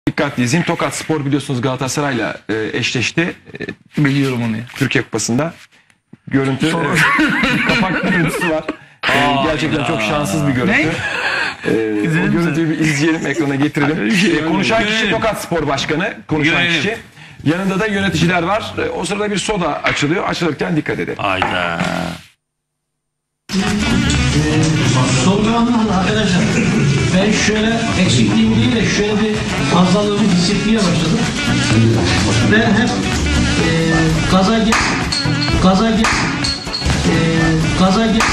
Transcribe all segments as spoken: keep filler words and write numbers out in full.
Dikkatli izleyin. Tokat Spor biliyorsunuz Galatasaray'la e, eşleşti. E, Biliyorum onu ya. Türkiye Kupası'nda. Görüntü, e, kapak görüntüsü var. E, gerçekten çok şanssız bir görüntü. Ne? E, o görüntüyü bir izleyelim, ekrana getirelim. E, konuşan kişi Tokat Spor Başkanı. Konuşan Görelim. kişi. Yanında da yöneticiler var. E, o sırada bir soda açılıyor. Açılırken dikkat edelim. Hayda. Son zamanlarda arkadaşlar ben şöyle eksikliğimi değil de şöyle bir fazlalığımı hissetmeye başladım. Ve hep e, gaza gel, gaza gel, e, gaza gel.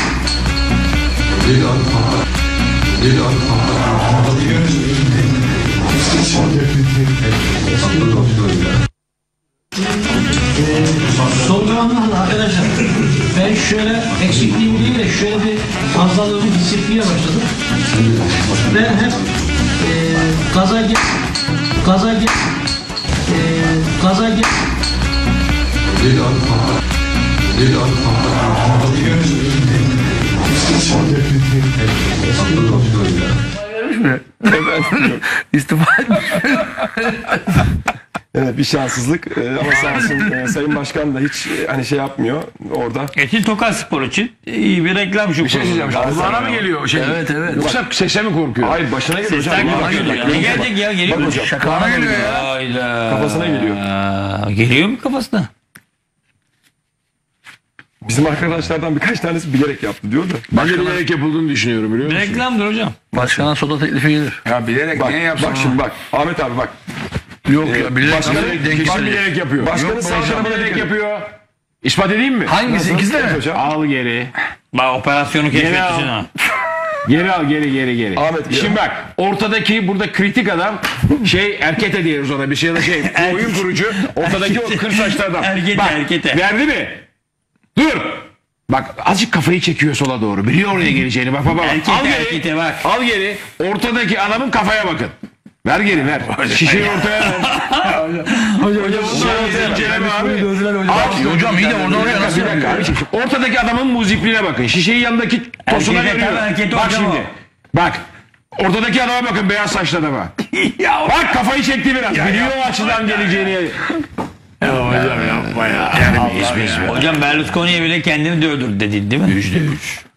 Son zamanlarda arkadaşlar ben şöyle eksikliğimi değil de şöyle bir fazlalığımı hissetmeye başladım. Ve hep e, gaza gel, gaza gel, e, gaza gel. İstifa etmiş. Evet, bir şanssızlık e, ama sağ olsun e, Sayın Başkan da hiç e, hani şey yapmıyor orada. Etin Tokat Spor için iyi bir reklam şu. Bir şey diyeceğim. Kulağına mı geliyor şey? Evet evet. Yoksa sese mi korkuyor? Hayır, başına geliyor hocam. Sesten Bak, geliyor bak, ya. bak, Ne bak. gelecek ya? Geliyor Bak mu? hocam. Şakana geliyor ya. Hayda. Kafasına geliyor. Aa, Geliyor mu kafasına? Bizim arkadaşlardan birkaç tanesi bilerek yaptı diyor da. Ben de bilerek yapıldığını düşünüyorum biliyor musun? Reklamdır hocam. Başkana soda teklifi gelir. Ya bilerek Bak, niye yapsın? bak şimdi bak. Ahmet abi bak. Yok Ee, ya bilerek başkanı- bilerek denk Kim gelir. bilerek yapıyor? Başkanın Yok, sağ başkan tarafına bilerek dikkat. yapıyor. İspat edeyim mi? Hangisi? İkisi de mi? Hocam. Al geri. Bak operasyonu Geri keşfetmişsin al. ha. Geri al geri geri geri. Ahmet, geri Şimdi bak ortadaki burada kritik adam şey erkete diyoruz ona bir şey ya da şey oyun kurucu ortadaki o kır saçlı adam. Erkete, bak, erkete. Verdi mi? Dur. Bak azıcık kafayı çekiyor sola doğru. Biliyor oraya geleceğini. Bak bak bak. Erkete, al geri. erkete bak. Al geri. Ortadaki adamın kafaya bakın. Ver geri ver. Şişeyi ortaya ver. Hocam Şişeyi inceleme abi. Abi, hocam iyi de oradan oraya nasıl Bir dakika yapıyor? abi. Ortadaki adamın muzipliğine bakın. Şişeyi yanındaki tosuna Erkete, veriyor. tabii erkete Bak hocam şimdi. o. Bak. Ortadaki adama bakın beyaz saçlı adama. Bak kafayı çekti biraz. Biliyor o açıdan geleceğini. Hocam Berlusconi'ye bile kendini dövdürdü dedin değil mi? Yüzde üç.